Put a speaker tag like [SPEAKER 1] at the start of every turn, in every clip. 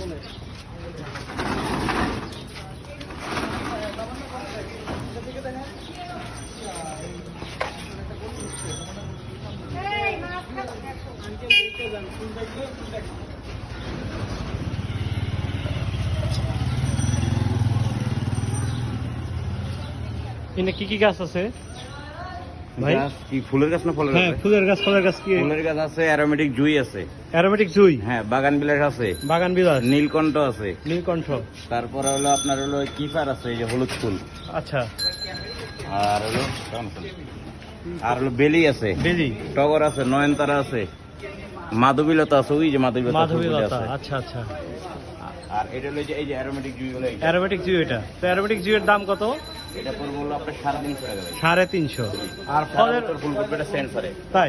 [SPEAKER 1] এখানে কি কি গাছ আছে ভাই?
[SPEAKER 2] কি ফুলের গাছ না ফলের গাছ?
[SPEAKER 1] হ্যাঁ, ফুলের গাছ। ফলের গাছ কি?
[SPEAKER 2] ফুলের গাছ আছে, অ্যারোমেটিক জুই আছে।
[SPEAKER 1] অ্যারোমেটিক জুই?
[SPEAKER 2] হ্যাঁ, বাগান বিলাস আছে,
[SPEAKER 1] বাগান বিলাস,
[SPEAKER 2] নীলকণ্ঠ আছে,
[SPEAKER 1] নীলকণ্ঠ।
[SPEAKER 2] তারপরে হলো আপনার হলো কিফার আছে, এই যে হলুদ ফুল।
[SPEAKER 1] আচ্ছা।
[SPEAKER 2] আর হলো আর হলো বেলি আছে,
[SPEAKER 1] বেলি,
[SPEAKER 2] টগর আছে, নয়নতারা আছে, মাধবীলতা আছে, ওই যে মাধবীলতা
[SPEAKER 1] মাধবীলতা। আচ্ছা আচ্ছা।
[SPEAKER 2] আর এটা হলো এই যে অ্যারোমেটিক জুই হলো এইটা।
[SPEAKER 1] অ্যারোমেটিক জুই এটা। তো অ্যারোমেটিক জুইয়ের দাম কত?
[SPEAKER 2] এটা পড়বে হলো আপনার 350 টাকা।
[SPEAKER 1] 350।
[SPEAKER 2] আর ফলের ফুল করবে এটা সেন্সারে।
[SPEAKER 1] তাই?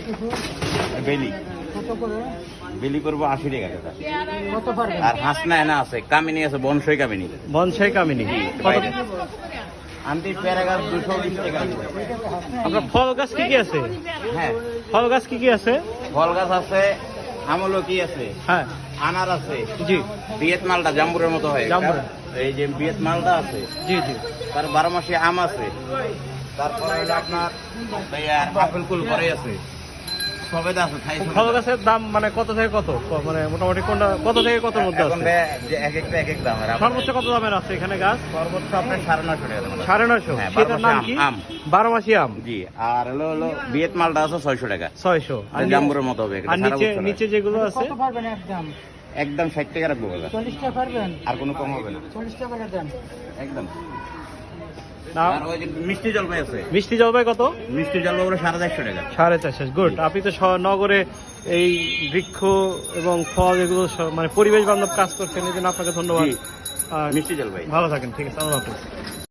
[SPEAKER 2] বেলি
[SPEAKER 3] কত করে?
[SPEAKER 2] বেলি করবো 80 টাকা দাদা।
[SPEAKER 3] কত পারবেন?
[SPEAKER 2] আর হাসনা এনা আছে, কামিনী আছে, বনসই কামিনী।
[SPEAKER 1] বনসাই কামিনী কত?
[SPEAKER 2] বাইরে। আন্টি পেয়ারা গাছ 220 টাকা।
[SPEAKER 1] আপনার ফল গাছ কি কি আছে?
[SPEAKER 2] হ্যাঁ,
[SPEAKER 1] ফল গাছ কি কি আছে?
[SPEAKER 2] ফল গাছ আছে, আমলকি আছে,
[SPEAKER 1] হ্যাঁ।
[SPEAKER 2] আনার আছে,
[SPEAKER 1] জি
[SPEAKER 2] বিয়েত মালটা জাম্বুরের মতো হয়,
[SPEAKER 1] জাম্বুর।
[SPEAKER 2] এই যে বিয়েত মালটা আছে,
[SPEAKER 1] জি জি।
[SPEAKER 2] তার 12 মাসে আম আছে, তারপরে হলো আপনার আপেল কুল ঘরে আছে, সবেদা আছে।
[SPEAKER 1] ফল গাছের দাম মানে কত থেকে কত? মানে মোটামুটি কোনটা কত থেকে কত মধ্যে
[SPEAKER 2] এখন
[SPEAKER 1] আছে?
[SPEAKER 2] যে এক একটা এক এক দাম।
[SPEAKER 1] সর্বোচ্চ কত দামের আছে এখানে গাছ?
[SPEAKER 2] সর্বোচ্চ আপনার 950 টাকা দাম।
[SPEAKER 1] 950।
[SPEAKER 2] হ্যাঁ,
[SPEAKER 1] সেটার নাম কি?
[SPEAKER 2] আম।
[SPEAKER 1] 12 মাসি আম।
[SPEAKER 2] জি। আর হলো বিয়েত মালটা আছে 600 টাকা।
[SPEAKER 1] 600। আর
[SPEAKER 2] জাম্বুরের মতো হবে।
[SPEAKER 1] আর নিচে নিচে যেগুলো আছে?
[SPEAKER 3] কত পারবেন একদম?
[SPEAKER 2] একদম 60 টাকা রাখবো দাদা।
[SPEAKER 3] 40 টাকা পারবেন?
[SPEAKER 2] আর কোনো কম হবে না।
[SPEAKER 3] 40 টাকা করে দেন।
[SPEAKER 2] একদম।
[SPEAKER 1] না,
[SPEAKER 2] আর ওই যে মিষ্টি জলপাই আছে।
[SPEAKER 1] মিষ্টি জলপাই কত?
[SPEAKER 2] মিষ্টি জলপাই হলো 450 টাকা।
[SPEAKER 1] 450। গুড। আপনি তো নগরে এই বৃক্ষ এবং ফল এগুলো মানে পরিবেশ বান্ধব কাজ করছেন, এই জন্য আপনাকে ধন্যবাদ।
[SPEAKER 2] জি।
[SPEAKER 1] আর
[SPEAKER 2] মিষ্টি জলপাই।
[SPEAKER 1] ভালো থাকেন। ঠিক আছে, আল্লাহ হাফেজ।